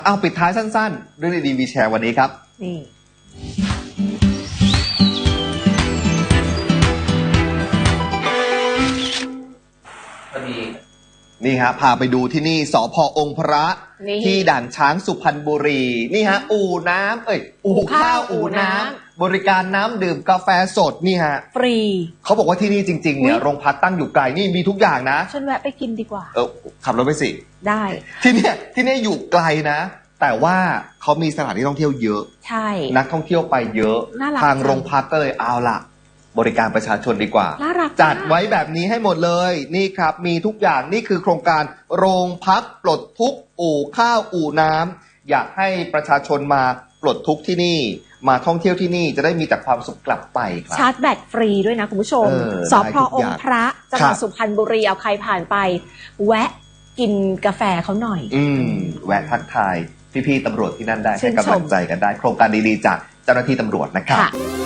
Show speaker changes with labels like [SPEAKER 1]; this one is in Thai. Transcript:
[SPEAKER 1] เอาปิดท้ายสั้นๆเรื่องดีๆมีแชร์วันนี้ครับ
[SPEAKER 2] นี่
[SPEAKER 1] นี่ฮะพาไปดูที่นี่สพ.องค์พระที่ด่านช้างสุพรรณบุรีนี่ฮะอู่น้ำอู่ข้าวอู่น้ำบริการน้ำดื่มกาแฟสดนี่ฮะ
[SPEAKER 2] ฟรี
[SPEAKER 1] เขาบอกว่าที่นี่จริงๆเนี่ยโรงพักตั้งอยู่ไกลนี่มีทุกอย่างนะ
[SPEAKER 2] ฉันแวะไปกินดีกว่า
[SPEAKER 1] ขับรถไปสิ
[SPEAKER 2] ได้
[SPEAKER 1] ที่นี่อยู่ไกลนะแต่ว่าเขามีสถานที่ท่องเที่ยวเยอะ
[SPEAKER 2] ใช่
[SPEAKER 1] นักท่องเที่ยวไปเยอะทางโรงพักก็เลยเอาล่ะบริการประชาชนดีกว่าจัดไว้แบบนี้ให้หมดเลยนี่ครับมีทุกอย่างนี่คือโครงการโรงพักปลดทุกข์อู่ข้าวอู่น้ำอยากให้ประชาชนมาปลดทุกข์ที่นี่มาท่องเที่ยวที่นี่จะได้มีแต่ความสุขกลับไปครับ
[SPEAKER 2] ชาร์จแบตฟรีด้วยนะคุณผู้ชมสพ.องค์พระจังหวัดสุพรรณบุรีเอาใครผ่านไปแวะกินกาแฟเขาหน่อย
[SPEAKER 1] แวะทักทายพี่ๆตำรวจที่นั่นได้ให้กำลังใจกันได้โครงการดีๆจากเจ้าหน้าที่ตำรวจนะครับ